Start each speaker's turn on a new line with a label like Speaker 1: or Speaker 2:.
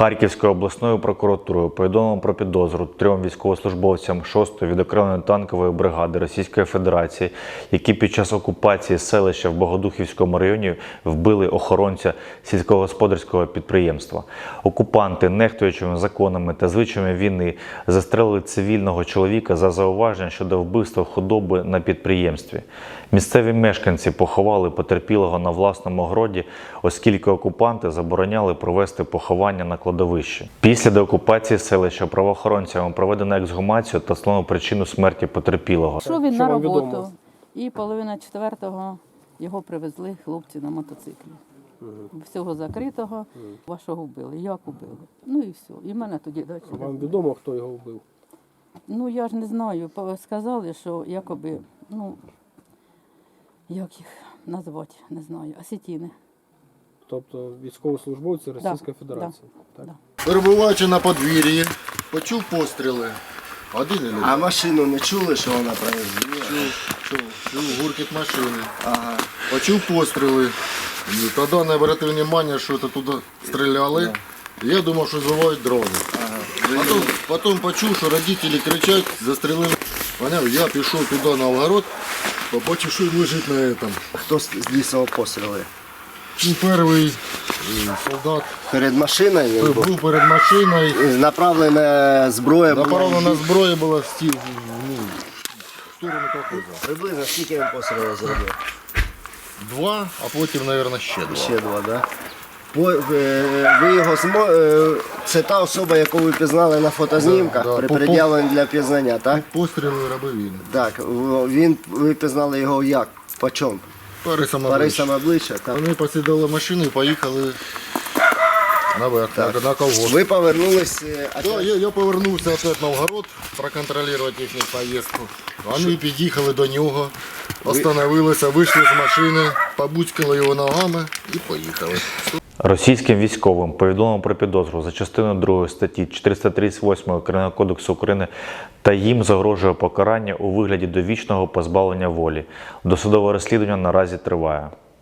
Speaker 1: Харківською обласною прокуратурою повідомлено про підозру 3 військовослужбовцям 6-ї відокремленої танкової бригади Російської Федерації, які під час окупації селища в Богодухівському районі вбили охоронця сільськогосподарського підприємства. Окупанти, нехтуючими законами та звичаями війни, застрелили цивільного чоловіка за зауваження щодо вбивства худоби на підприємстві. Місцеві мешканці поховали потерпілого на власному городі, оскільки окупанти забороняли провести поховання на кладовищі. Після деокупації селища правоохоронцями проведено ексгумацію та встановлено причину смерті потерпілого.
Speaker 2: Пішов він на роботу, і половина 4-го його привезли хлопці на мотоциклі. Всього закритого, вашого вбили. Як вбили? Ну і все. І мене тоді далі.
Speaker 3: Вам відомо, хто його вбив?
Speaker 2: Ну я ж не знаю. Сказали, що якоби, як їх назвати, не знаю, осетіни.
Speaker 3: Тобто військовослужбовці Російської Федерації.
Speaker 2: Да.
Speaker 3: Так?
Speaker 2: Да.
Speaker 4: Перебуваючи на подвір'ї, почув постріли. Один і
Speaker 5: А машину не чули, що вона проїздила?
Speaker 4: чув гуркіт машини.
Speaker 5: Ага.
Speaker 4: Почув постріли. Тоді не обратив увагу, що це туди стріляли. Я думав, що збивають дрони.
Speaker 5: Ага.
Speaker 4: Потім почув, що родителі кричать, застрілили. Поняв, я пішов туди на огород, побачив, що він лежить на цьому.
Speaker 5: Хто з лісового постріли?
Speaker 4: Перший солдат
Speaker 5: Перед машиною? він був?
Speaker 4: був перед машиною.
Speaker 5: Направлена зброя була?
Speaker 4: Направлена зброя була в сторону колхозу.
Speaker 5: Приблизно скільки він пострілів зробив?
Speaker 4: 2, а потім, мабуть, ще 2.
Speaker 5: Ще 2, так? Ви його це та особа, яку ви пізнали на фотознімках,
Speaker 4: Да, да.
Speaker 5: при пред'явленні для пізнання, так?
Speaker 4: Постріли робив він.
Speaker 5: Так, ви пізнали його як? По чому? Парисом обличчя, так?
Speaker 4: Вони посідали машину і поїхали наверх, на колгосп.
Speaker 5: Ви повернулись...
Speaker 4: Да, я повернувся опять на огород проконтролювати їхню поїздку. Вони під'їхали до нього, остановилися, вийшли з машини, побуцькали його ногами і поїхали.
Speaker 1: Російським військовим повідомлено про підозру за частиною 2 статті 438 Кримінального кодексу України та їм загрожує покарання у вигляді довічного позбавлення волі. Досудове розслідування наразі триває.